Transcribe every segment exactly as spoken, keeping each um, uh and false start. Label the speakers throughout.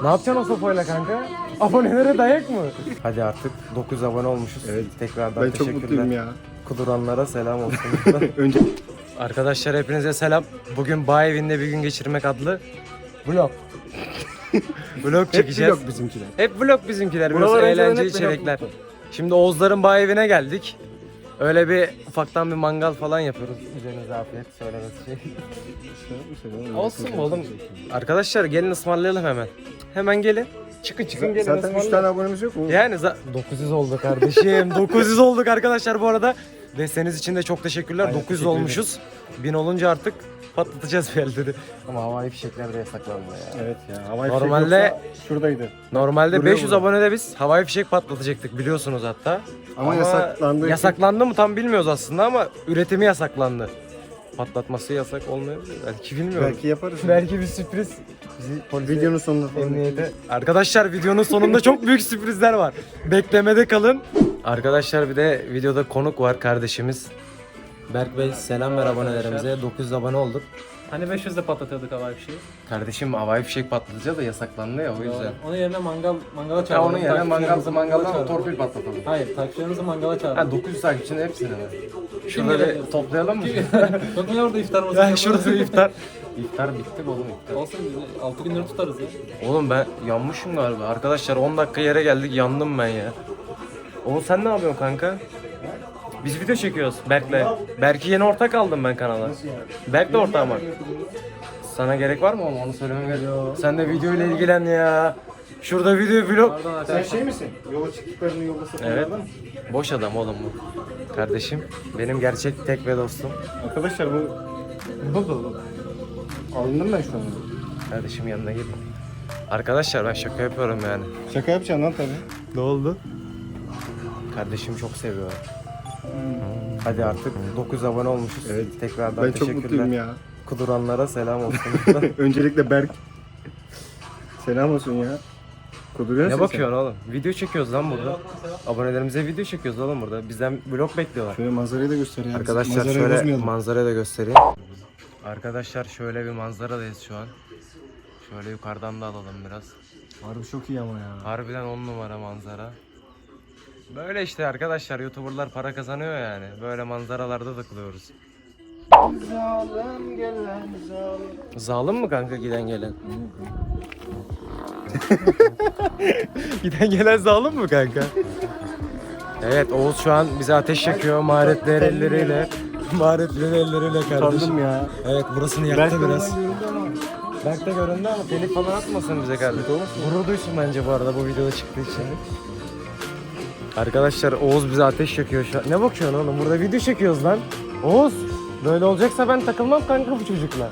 Speaker 1: Ne yapacaksın o sopayla kanka? Abonelere dayak mı? Hadi artık dokuz abone olmuşuz.
Speaker 2: Evet.
Speaker 1: Tekrardan
Speaker 2: Ben çok
Speaker 1: teşekkürler.
Speaker 2: mutluyum ya.
Speaker 1: Kuduranlara selam olsun.
Speaker 2: Önce
Speaker 1: Arkadaşlar hepinize selam. Bugün Bağ Evi'nde bir gün geçirmek adlı vlog. Vlog çekeceğiz.
Speaker 2: hep bizimkiler.
Speaker 1: Hep vlog bizimkiler. Biraz
Speaker 2: Buralar önceden
Speaker 1: eğlenceli
Speaker 2: hep
Speaker 1: içerikler.
Speaker 2: vlog.
Speaker 1: Şimdi Oğuzların Bağ Evi'ne geldik. Öyle bir ufaktan bir mangal falan yapıyoruz. Üzerinize afiyet söylemesi şey. Olsun mu oğlum? Arkadaşlar gelin ısmarlayalım hemen. Hemen gelin. Çıkın çıkın gelin
Speaker 2: Zaten üç
Speaker 1: ısmarlayalım.
Speaker 2: tane abonemiz yok mu?
Speaker 1: Yani za- dokuz yüz oldu kardeşim. dokuz yüz olduk arkadaşlar bu arada. Desteğiniz için de çok teşekkürler.
Speaker 2: Aynen,
Speaker 1: dokuz yüz
Speaker 2: teşekkür
Speaker 1: olmuşuz. bin olunca artık patlatacağız bir yerleri. Ama havai fişekler de yasaklandı ya.
Speaker 2: Evet ya. Havai
Speaker 1: Normalde-
Speaker 2: fişek yoksa şuradaydı.
Speaker 1: Normalde
Speaker 2: Duruyor
Speaker 1: beş yüz
Speaker 2: burada.
Speaker 1: abonede biz havai fişek patlatacaktık biliyorsunuz hatta.
Speaker 2: Ama yasaklandı.
Speaker 1: Yasaklandı mı tam bilmiyoruz aslında ama üretimi yasaklandı. Patlatması yasak olmuyor. Belki bilmiyorum.
Speaker 2: Belki yaparız.
Speaker 1: Belki bir sürpriz. Bizi polise,
Speaker 2: Videonun sonunda falan.
Speaker 1: emniyete. Arkadaşlar videonun sonunda çok büyük sürprizler var. Beklemede kalın. Arkadaşlar bir de videoda konuk var kardeşimiz. Berk Bey selam ver abonelerimize. dokuz yüz abone olduk.
Speaker 3: Hani beş yüzde patlatıyorduk havai fişeği.
Speaker 1: Kardeşim havai fişek patlatacağız da yasaklandı ya o yüzden.
Speaker 3: Onun yerine mangal mangala
Speaker 1: Ya
Speaker 3: çağıralım.
Speaker 1: onun yerine mangal
Speaker 3: Takipçilerimizi
Speaker 1: mangaldan
Speaker 3: çağıralım.
Speaker 1: torpil patlatalım.
Speaker 3: Hayır, takipçilerimizi mangala çağıralım.
Speaker 1: Ha dokuz yüz takipçinin hepsini mi? Şurada
Speaker 3: gelebilir?
Speaker 1: bir toplayalım mı?
Speaker 3: Yok mu ya orada iftar masası?
Speaker 1: Ya şurada bir iftar. İftar bitti mi oğlum iftar?
Speaker 3: Olsun biz altı günleri tutarız ya.
Speaker 1: Oğlum ben yanmışım galiba. Arkadaşlar on dakika yere geldik yandım ben ya. Oğlum sen ne yapıyorsun kanka? Biz video çekiyoruz Berk'le. Berk'i yeni ortak aldım ben kanala. Berk de ortağım var. Sana gerek var mı oğlum onu söylemem gerek. Sen de video ile ilgilen ya. Şurada video vlog.
Speaker 3: Pardon
Speaker 2: Sen
Speaker 3: arkadaşlar.
Speaker 2: şey misin? Yola çıktıklarını yolda satanlardan
Speaker 1: Evet.
Speaker 2: mı?
Speaker 1: Boş adam oğlum bu. Kardeşim benim gerçek tek ve dostum.
Speaker 2: Arkadaşlar bu... Alındım ben şu an.
Speaker 1: Kardeşim yanına git. Arkadaşlar ben şaka yapıyorum yani.
Speaker 2: Şaka yapacaksın lan tabii.
Speaker 1: Ne oldu? Kardeşim çok seviyor. Hadi artık dokuz abone olmuşuz.
Speaker 2: Evet.
Speaker 1: Tekrardan
Speaker 2: Ben çok
Speaker 1: teşekkürler.
Speaker 2: mutluyum ya.
Speaker 1: Kuduranlara selam olsun.
Speaker 2: Öncelikle Berk. Selam olsun ya. Kuduruyor
Speaker 1: Ne
Speaker 2: musun
Speaker 1: bakıyorsun oğlum? Video çekiyoruz lan burada. Abonelerimize video çekiyoruz oğlum burada. Bizden vlog bekliyorlar.
Speaker 2: sen? Şöyle manzarayı da göster ya.
Speaker 1: Arkadaşlar
Speaker 2: Manzarayı
Speaker 1: şöyle
Speaker 2: bozmayalım.
Speaker 1: manzarayı da göstereyim. Arkadaşlar şöyle bir manzaradayız şu an. Şöyle yukarıdan da alalım biraz.
Speaker 2: Harbi çok iyi ama ya.
Speaker 1: Harbiden on numara manzara. Böyle işte arkadaşlar YouTuber'lar para kazanıyor yani. Böyle manzaralarda takılıyoruz.
Speaker 2: Zalim gelen zalim.
Speaker 1: Zalim mı kanka giden gelen? Giden gelen zalim mi kanka? Evet Oğuz şu an bize ateş yakıyor maharetli elleriyle. Maharetli elleriyle kardeşim.
Speaker 2: Utandım ya.
Speaker 1: Evet burasını
Speaker 2: Berk
Speaker 1: yaktı
Speaker 2: oradan
Speaker 1: biraz.
Speaker 2: görüldü ama.
Speaker 1: Berk de göründü ama telif falan atmasın bize kardeşim. Gurur duysun bence bu arada bu videoda çıktığı için. Arkadaşlar Oğuz bize ateş yakıyor şu an. Ne bakıyorsun oğlum? Burada video çekiyoruz lan. Oğuz böyle olacaksa ben takılmam kanka bu çocukla.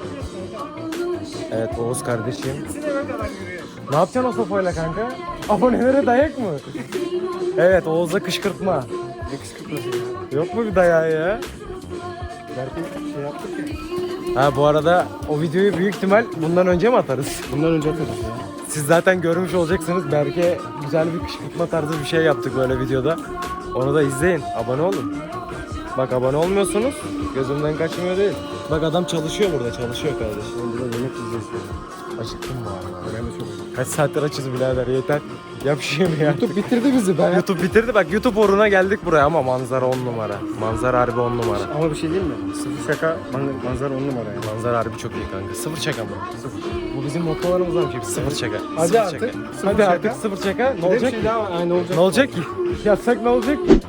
Speaker 1: Evet Oğuz kardeşim. Ne yapacaksın o sopayla kanka? Abonelere dayak mı? Evet Oğuz'a kışkırtma.
Speaker 2: Ne kışkırtması ya.
Speaker 1: Yok mu bir dayağı ya?
Speaker 2: Berk'e şey yaptık ya.
Speaker 1: Ha bu arada o videoyu büyük ihtimal bundan önce mi atarız?
Speaker 2: Bundan önce atarız ya.
Speaker 1: Siz zaten görmüş olacaksınız. Berke güzel bir kışkırtma tarzı bir şey yaptık böyle videoda. Onu da izleyin. Abone olun. Bak abone olmuyorsunuz. Gözümden kaçmıyor değil. Bak adam çalışıyor burada. Çalışıyor kardeşim.
Speaker 2: Burada yemek yiyeceğiz ya.
Speaker 1: Acıktım bu arada.
Speaker 2: Ben de çok acıktım.
Speaker 1: Kaç saattir açız birader yeter. Yap şey mi ya?
Speaker 2: YouTube bitirdi bizi be.
Speaker 1: YouTube bitirdi. Bak YouTube uğruna geldik buraya ama manzara on numara. Manzara harbi on numara.
Speaker 2: Ama bir şey değil mi? Sıfır şaka man- manzara on numara ya.
Speaker 1: Manzara harbi çok iyi kanka. Sıfır şaka mı? Sıfır. Bu bizim mottolarımızdan bir şey. Sıfır şaka.
Speaker 2: Hadi
Speaker 1: Sıfır
Speaker 2: artık.
Speaker 1: şaka.
Speaker 2: Sıfır
Speaker 1: Hadi
Speaker 2: şaka.
Speaker 1: artık sıfır şaka. Ne
Speaker 2: Bir de
Speaker 1: olacak
Speaker 2: bir
Speaker 1: ki?
Speaker 2: şey daha aynı olacak.
Speaker 1: Ne olacak ki? Yapsak ne olacak ki?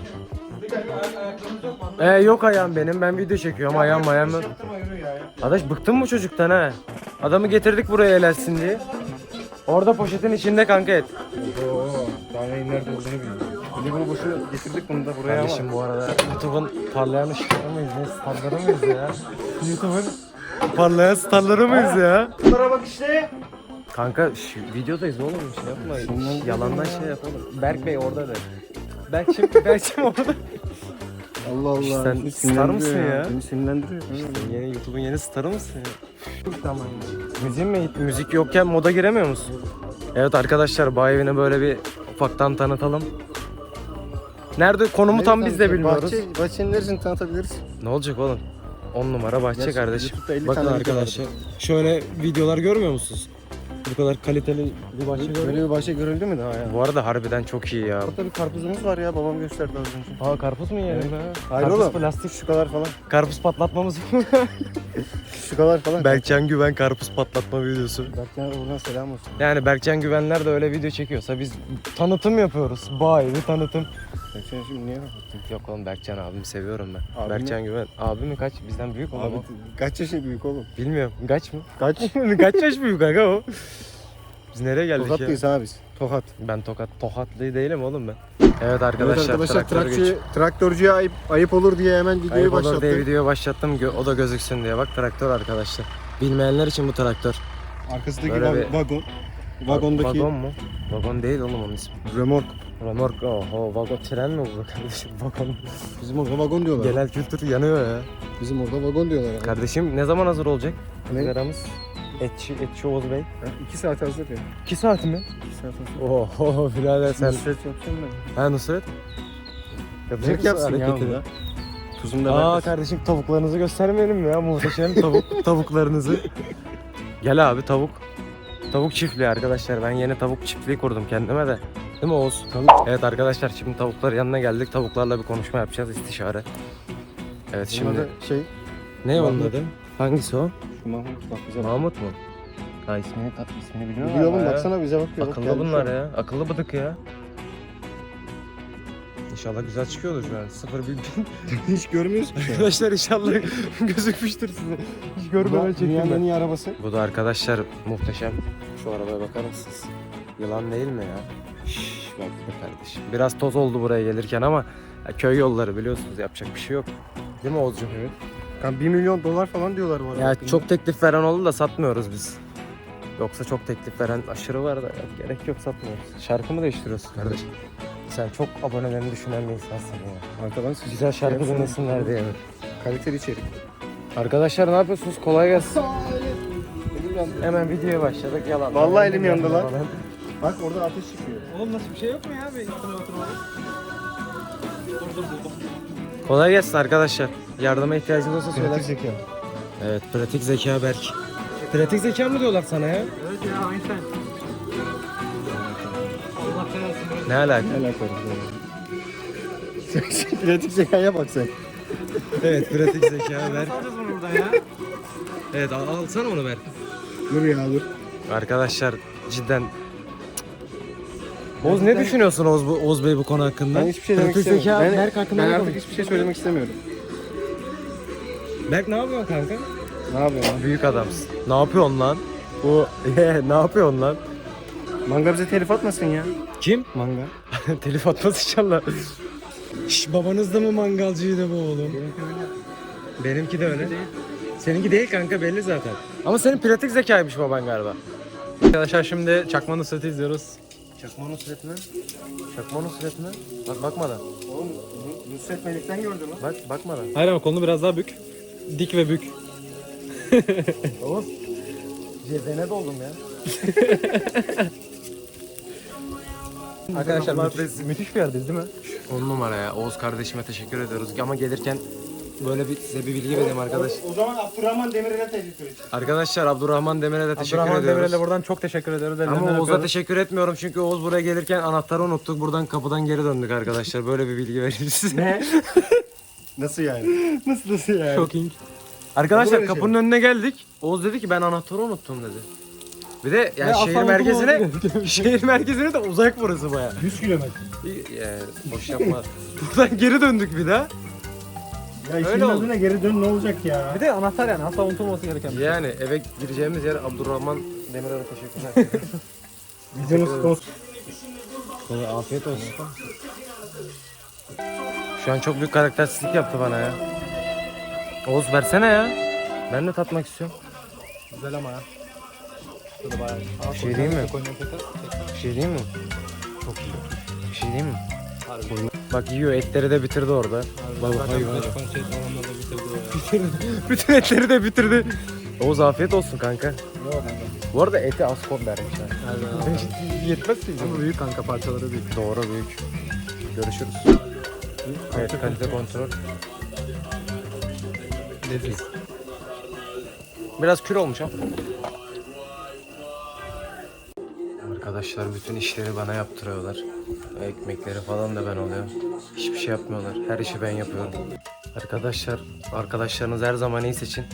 Speaker 1: Ee, yok ayağım benim. Ben video çekiyorum. Ayağım ayağım. Arkadaş bıktım bu çocuktan ha. Adamı getirdik buraya elersin diye. Orada poşetin içinde kanka et.
Speaker 2: Oo, daha neyin nerede olduğunu bilmiyorum. Bir de bunu boşuna getirdik bunu da buraya ama.
Speaker 1: Kardeşim bu arada YouTube'un parlayan ışıkları mıyız? Ne starları mıyız ya? YouTube'un parlayan starları mıyız ya?
Speaker 2: Bunlara bak işte.
Speaker 1: Kanka şu videodayız oğlum bir şey yapma. Yalandan şey yapalım. Berk Bey orada da. Berk şimdi Berk şimdi orada.
Speaker 2: Allah Allah.
Speaker 1: Sen
Speaker 2: beni
Speaker 1: star
Speaker 2: sinirlendiriyor
Speaker 1: mısın ya?
Speaker 2: Beni sinirlendiriyor.
Speaker 1: Yeni YouTube'un yeni starı mısın ya? Tamam. Müzik mi? Müzik yokken moda giremiyor musun? Evet arkadaşlar Bağ Evi'ni böyle bir ufaktan tanıtalım. Nerede konumu tam biz de bilmiyoruz.
Speaker 2: Bahçe, bahçenin neresini tanıtabiliriz?
Speaker 1: Ne olacak oğlum? on numara bahçe
Speaker 2: Gerçi
Speaker 1: kardeşim.
Speaker 2: YouTube'da elli
Speaker 1: Bakın
Speaker 2: tane video
Speaker 1: arkadaşlar. Şöyle videolar görmüyor musunuz? Bu kadar kaliteli bir bahçe gördüm.
Speaker 2: Böyle bir bahçe görüldü mü daha ya?
Speaker 1: Bu arada harbiden çok iyi ya.
Speaker 2: Burada bir karpuzumuz var ya, babam gösterdi az önce.
Speaker 1: Aa karpuz mu yiyelim be?
Speaker 2: Hayır
Speaker 1: Karpuz
Speaker 2: oğlum.
Speaker 1: plastik.
Speaker 2: Şu kadar falan.
Speaker 1: Karpuz patlatmamız mı?
Speaker 2: Şu kadar falan.
Speaker 1: Berkcan Güven karpuz patlatma videosu.
Speaker 2: Berkcan'a buradan selam olsun.
Speaker 1: Yani Berkcan Güvenler de öyle video çekiyorsa biz tanıtım yapıyoruz. Bay bir tanıtım.
Speaker 2: Berkcan şimdi niye kapattın?
Speaker 1: Yok oğlum Berkcan abimi seviyorum ben.
Speaker 2: Abi
Speaker 1: Berkcan Güven. Abi mi kaç? Bizden büyük oğlum
Speaker 2: Abi
Speaker 1: o.
Speaker 2: kaç yaşı büyük oğlum?
Speaker 1: Bilmiyorum. Kaç mı?
Speaker 2: Kaç?
Speaker 1: Kaç yaş büyük kanka o? Biz nereye geldik ya?
Speaker 2: Tokatlıyız ha biz. Tokat.
Speaker 1: Ben tokat tokatlı değilim oğlum ben. Evet arkadaşlar,
Speaker 2: Evet arkadaşlar
Speaker 1: traktör
Speaker 2: traktörcü,
Speaker 1: geç.
Speaker 2: traktörcüye ayıp, ayıp olur diye hemen videoyu
Speaker 1: Ayıp olur
Speaker 2: başlattım.
Speaker 1: diye videoyu başlattım. Gö- O da gözüksün diye. Bak traktör arkadaşlar. Bilmeyenler için bu traktör.
Speaker 2: Arkasındaki
Speaker 1: Böyle
Speaker 2: va-
Speaker 1: bir-
Speaker 2: vagon. Vagondaki
Speaker 1: Vagon mu? Vagon değil oğlum onun ismi.
Speaker 2: remork.
Speaker 1: Remork. Oho vagon tren mi bu kardeşim? Vagon.
Speaker 2: Bizim orada vagon diyorlar.
Speaker 1: Genel kültür yanıyor ya.
Speaker 2: Bizim orada vagon diyorlar. Yani.
Speaker 1: Kardeşim ne zaman hazır olacak?
Speaker 2: Ne?
Speaker 1: Sigaramız. Etçi, Etçi Oğuz Bey.
Speaker 2: Ha, iki saat hazır ya.
Speaker 1: iki saat mi?
Speaker 2: İki saat hazır.
Speaker 1: Oho birader sen.
Speaker 2: Nusret yapacağım ben.
Speaker 1: Ha Nusret? Yapacak
Speaker 2: Zevk
Speaker 1: mısın
Speaker 2: yapsın ya
Speaker 1: hareketini?
Speaker 2: onu da. Tuzunu da
Speaker 1: Aa
Speaker 2: vermesin.
Speaker 1: kardeşim tavuklarınızı göstermeyelim mi ya? Muhteşem tavuk tavuklarınızı. Gel abi tavuk. Tavuk çiftliği arkadaşlar. Ben yeni tavuk çiftliği kurdum kendime de. Değil mi Oğuz?
Speaker 2: Tavuk.
Speaker 1: Evet arkadaşlar şimdi tavukların yanına geldik. Tavuklarla bir konuşma yapacağız istişare. Evet
Speaker 2: Şimdi
Speaker 1: şimdi.
Speaker 2: şey,
Speaker 1: Ne onun
Speaker 2: Mahmut.
Speaker 1: adı? Hangisi o?
Speaker 2: şu Mahmut bak bize bak.
Speaker 1: Mahmut mu? Ha ismini, tat, ismini biliyor
Speaker 2: Biliyor
Speaker 1: musun?
Speaker 2: oğlum baksana bize bakıyor. Bak,
Speaker 1: Akıllı
Speaker 2: geldi
Speaker 1: bunlar
Speaker 2: şu an.
Speaker 1: ya. Akıllı bıdık ya. İnşallah güzel çıkıyordur şu an. Sıfır bir
Speaker 2: Hiç görmüyoruz ki.
Speaker 1: Arkadaşlar inşallah gözükmüştür size. Hiç görmeden
Speaker 2: Bu dünyanın en
Speaker 1: çektim
Speaker 2: iyi arabası.
Speaker 1: Bu da arkadaşlar muhteşem. Şu arabaya bakar mısınız? Yılan değil mi ya? Şşş bak be kardeşim. Biraz toz oldu buraya gelirken ama ya köy yolları biliyorsunuz yapacak bir şey yok. Değil mi Oğuzcuğum?
Speaker 2: Evet. Kan bir milyon dolar falan diyorlar bu arada.
Speaker 1: Ya çok teklif veren oldu da satmıyoruz biz. Yoksa çok teklif veren aşırı var da ya, gerek yok satmıyoruz. Şarkı mı değiştiriyorsun kardeşim? Sen çok abonelerini düşünen bir insansın ya.
Speaker 2: Arkadan siz
Speaker 1: Güzel şarkı dinlesinler diye mi?
Speaker 2: kaliteli içerik.
Speaker 1: Arkadaşlar ne yapıyorsunuz? Kolay gelsin.
Speaker 2: Elim yandı.
Speaker 1: Hemen videoya başladık. Yalan.
Speaker 2: Vallahi elim yandı lan.
Speaker 1: Falan.
Speaker 2: Bak orada ateş çıkıyor.
Speaker 3: Oğlum nasıl bir şey yok mu ya? Bir üstüne oturmalı. Dur dur dur.
Speaker 1: Kolay gelsin arkadaşlar. Yardıma ihtiyacınız olsa söyler.
Speaker 2: Pratik zeka.
Speaker 1: Evet, pratik zeka Berk. Pratik zeka mı diyorlar sana ya?
Speaker 3: Evet ya Einstein. Allah belasını.
Speaker 1: Ne alaka?
Speaker 2: Ne alakalı? Sen pratik zekaya bak sen.
Speaker 1: Evet, pratik zeka Berk.
Speaker 3: Nasıl alacağız bunu buradan ya?
Speaker 1: Evet, al, alsana onu Berk.
Speaker 2: Dur ya dur.
Speaker 1: Arkadaşlar cidden Oğuz ne düşünüyorsun Oğuz, bu, Oğuz Bey bu konu hakkında?
Speaker 2: Ben hiçbir şey demek
Speaker 1: Pratik
Speaker 2: istemiyorum.
Speaker 1: zeka
Speaker 2: Ben,
Speaker 1: Berk hakkında
Speaker 2: ben
Speaker 1: ne
Speaker 2: artık
Speaker 1: demek?
Speaker 2: hiçbir şey söylemek istemiyorum.
Speaker 1: Berk ne yapıyorsun kanka?
Speaker 2: Ne yapıyorsun lan?
Speaker 1: Büyük adamsın. Ne yapıyorsun lan? Bu ne yapıyorsun lan?
Speaker 2: Manga bize telif atmasın ya.
Speaker 1: Kim?
Speaker 2: Manga.
Speaker 1: Telif atmaz inşallah. Şş, babanız da mı mangalcıydı bu oğlum? Benimki de öyle. Seninki değil kanka belli zaten. Ama senin pratik zekaymış baban galiba.
Speaker 3: Arkadaşlar şimdi Çakma Nusret'i izliyoruz.
Speaker 1: Çakma Nusret mi? Çakma Nusret mi? Bak bakmadan.
Speaker 2: Oğlum Nusret Melik'ten gördün mü?
Speaker 1: Bak bakmadan.
Speaker 3: Hayır ama kolunu biraz daha bük. Dik ve bük.
Speaker 1: Oğuz. Cezene doldum ya.
Speaker 3: Arkadaşlar
Speaker 1: Allah
Speaker 3: müthiş,
Speaker 1: affetsin.
Speaker 3: müthiş bir yerdeyiz değil mi?
Speaker 1: On numara ya. Oğuz kardeşime teşekkür ediyoruz. Ama gelirken böyle bir size bir bilgi vereyim arkadaş.
Speaker 2: O zaman Abdurrahman Demirel'e teklif et.
Speaker 1: Arkadaşlar Abdurrahman Demir'e de teşekkür
Speaker 3: Abdurrahman
Speaker 1: ediyoruz.
Speaker 3: Demirel'e buradan çok teşekkür ediyoruz.
Speaker 1: Ama
Speaker 3: Ellerinden
Speaker 1: Oğuz'a
Speaker 3: öpüyoruz.
Speaker 1: teşekkür etmiyorum çünkü Oğuz buraya gelirken anahtarı unuttuk. Buradan kapıdan geri döndük arkadaşlar. Böyle bir bilgi vereyim size.
Speaker 2: Ne? Nasıl yani? Nasıl nasıl yani?
Speaker 3: Shocking.
Speaker 1: Arkadaşlar
Speaker 2: Olur öyle
Speaker 1: kapının önüne geldik. Oğuz dedi ki ben anahtarı unuttum dedi. Bir de yani
Speaker 3: Ve
Speaker 1: şehir
Speaker 3: aslan
Speaker 1: merkezine
Speaker 3: unutulmaması
Speaker 1: şehir merkezine de uzak burası baya.
Speaker 2: yüz kilometre.
Speaker 1: Boş yapma. Buradan geri döndük bir daha.
Speaker 2: Ya işin
Speaker 1: Öyle oldu.
Speaker 2: adına geri dön ne olacak ya?
Speaker 3: Bir de anahtar yani asla unutulmaması gereken bir şey.
Speaker 1: Yani eve gireceğimiz yer Abdurrahman Demirel'e teşekkürler.
Speaker 2: Videonun sponsor.
Speaker 1: Kolay afiyet olsun. Şu an çok büyük karaktersizlik yaptı bana ya. Oğuz versene ya. Ben de tatmak istiyorum.
Speaker 3: Güzel ama ya. Şurada bayağı.
Speaker 1: Bir şey diyeyim mi?
Speaker 3: Koyun yapacak.
Speaker 1: Bir şey diyeyim mi? Çok iyi. Bir şey diyeyim mi? Bak yiyor etleri de bitirdi orada. Bak hayvan. Bütün etleri de bitirdi. Oğuz afiyet olsun kanka. Bu arada eti az kod vermişler. Yetmez ki.
Speaker 3: Ama büyük kanka parçaları büyük.
Speaker 1: Doğru büyük. Görüşürüz. Evet kalite kontrol.
Speaker 3: Leziz.
Speaker 1: Biraz kür olmuş ha. Arkadaşlar bütün işleri bana yaptırıyorlar. Ekmekleri falan da ben alıyorum. Hiçbir şey yapmıyorlar. Her işi ben yapıyorum. Arkadaşlar, arkadaşlarınız her zaman iyi seçin.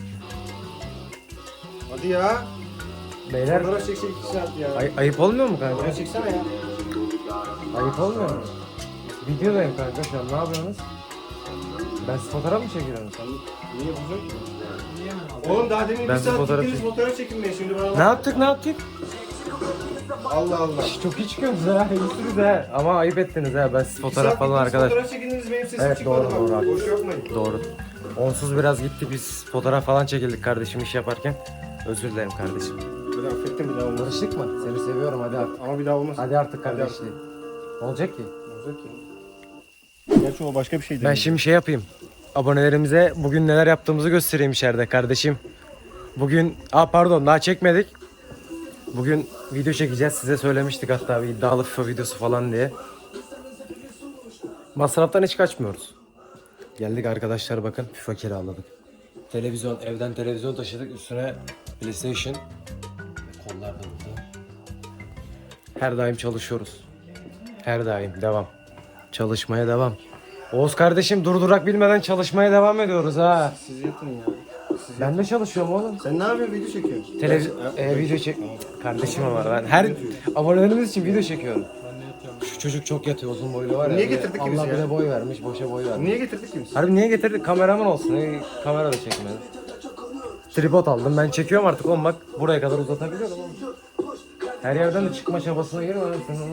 Speaker 2: Hadi ya.
Speaker 1: Beyler,
Speaker 2: Fotoğraf çeksek iki saat ya.
Speaker 1: ay- ayıp olmuyor mu kanka?
Speaker 2: Fotoğraf çeksene ya.
Speaker 1: Ayıp olmuyor mu? Videodayım kanka şu an, ne yapıyorsunuz? Ben siz fotoğraf mı çekiyorum?
Speaker 2: Niye bozuyorsun ki? Oğlum daha demin
Speaker 1: Ben
Speaker 2: bir saat
Speaker 1: fotoğraf
Speaker 2: gittiniz
Speaker 1: çek-
Speaker 2: fotoğraf çekinmeye şimdi bana
Speaker 1: Ne
Speaker 2: bak.
Speaker 1: yaptık ne yaptık?
Speaker 2: Allah Allah.
Speaker 1: Çok iyi çıkıyorsunuz ha, iyisiniz ha. Ama ayıp ettiniz ha, ben siz
Speaker 2: İki
Speaker 1: fotoğraf
Speaker 2: saat
Speaker 1: falan
Speaker 2: gittiniz,
Speaker 1: arkadaş.
Speaker 2: Fotoğraf çekindiniz benim sesim
Speaker 1: Evet,
Speaker 2: çıkmadı
Speaker 1: doğru,
Speaker 2: bak.
Speaker 1: doğru.
Speaker 2: Boş yapmayın.
Speaker 1: Doğru. Onsuz biraz gittik biz fotoğraf falan çekildik kardeşim iş yaparken. Özür dilerim kardeşim.
Speaker 2: Böyle affettim bir daha olmaz.
Speaker 1: Barıştık mı? Seni seviyorum, hadi artık.
Speaker 2: Ama bir daha olmaz.
Speaker 1: Hadi artık
Speaker 2: Hadi
Speaker 1: kardeşliği. Ne olacak ki?
Speaker 2: Olacak ya. Gerçi o başka bir şey değil.
Speaker 1: Ben şimdi şey yapayım. Abonelerimize bugün neler yaptığımızı göstereyim içeride kardeşim. Bugün, aa pardon daha çekmedik. Bugün video çekeceğiz. Size söylemiştik hatta bir iddialı FIFA videosu falan diye. Masraftan hiç kaçmıyoruz. Geldik arkadaşlar, bakın FIFA kiraladık. Televizyon, evden televizyon taşıdık. Üstüne PlayStation. Kollar da burada. Her daim çalışıyoruz. Her daim devam. Çalışmaya devam. Oğuz kardeşim durdurak bilmeden çalışmaya devam ediyoruz ha.
Speaker 2: Siz yapın ya. Siz
Speaker 1: Ben de çalışıyorum oğlum.
Speaker 2: Sen ne yapıyorsun? Video çekiyorsun.
Speaker 1: Televizyon, e, video çek... Kardeşim ama ben her abonelerimiz için video çekiyorum. Şu çocuk çok yatıyor, uzun boylu var ya.
Speaker 2: Niye getirdik ki biz
Speaker 1: Allah
Speaker 2: ya?
Speaker 1: bile boy vermiş, boşa boy vermiş.
Speaker 2: Niye getirdik ki biz?
Speaker 1: Harbi niye getirdik? Kameraman olsun. E, kamera da çekmedi. Tripod aldım. Ben çekiyorum artık oğlum, bak buraya kadar uzatabiliyorum oğlum. Her yerden de çıkma çabasına girme.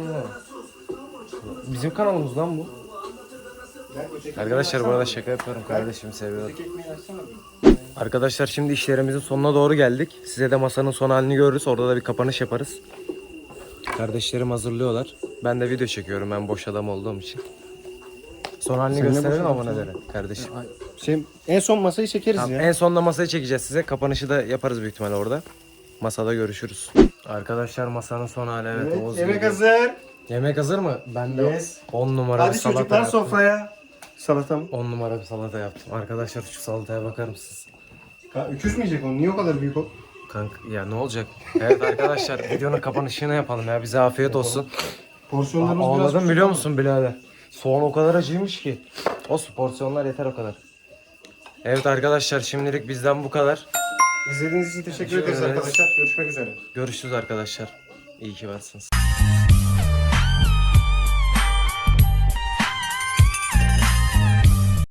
Speaker 1: Bizim kanalımız lan bu. Arkadaşlar bu arada şaka yapıyorum, kardeşimi seviyorum.
Speaker 2: Ekmeği açsana bir.
Speaker 1: Arkadaşlar şimdi işlerimizin sonuna doğru geldik. Size de masanın son halini görürüz. Orada da bir kapanış yaparız. Kardeşlerim hazırlıyorlar. Ben de video çekiyorum, ben boş adam olduğum için. Son halini
Speaker 2: Sen ne
Speaker 1: gösterelim
Speaker 2: boş
Speaker 1: abonelere kardeşim.
Speaker 2: Şey, en son masayı çekeriz
Speaker 1: Tamam,
Speaker 2: ya.
Speaker 1: en sonunda masayı çekeceğiz size. Kapanışı da yaparız büyük ihtimalle orada. Masada görüşürüz. Arkadaşlar masanın son hali, evet.
Speaker 2: Evet,
Speaker 1: Oğuz
Speaker 2: yemek
Speaker 1: geliyor.
Speaker 2: hazır.
Speaker 1: Yemek hazır mı? Ben de
Speaker 2: Yes.
Speaker 1: on numara bir
Speaker 2: Hadi
Speaker 1: salata
Speaker 2: çocuklar
Speaker 1: yaptım.
Speaker 2: sofraya. Salata mı?
Speaker 1: on numara bir salata yaptım. Arkadaşlar şu salataya bakar mısınız?
Speaker 2: Ha, öküz mü yiyecek onu? Niye o kadar büyük o?
Speaker 1: Kanka ya ne olacak? Evet arkadaşlar videonun kapanışını yapalım ya. Bize afiyet olsun.
Speaker 2: Porsiyonlarımız
Speaker 1: Aa,
Speaker 2: biraz
Speaker 1: ağladım
Speaker 2: küçük
Speaker 1: biliyor
Speaker 2: ama.
Speaker 1: musun birader? Soğan o kadar acıymış ki. Olsun, porsiyonlar yeter o kadar. Evet arkadaşlar şimdilik bizden bu kadar.
Speaker 2: İzlediğiniz için teşekkür
Speaker 1: Teşekkür
Speaker 2: ederiz
Speaker 1: ederiz.
Speaker 2: arkadaşlar. Görüşmek üzere.
Speaker 1: Görüşürüz arkadaşlar. İyi ki varsınız.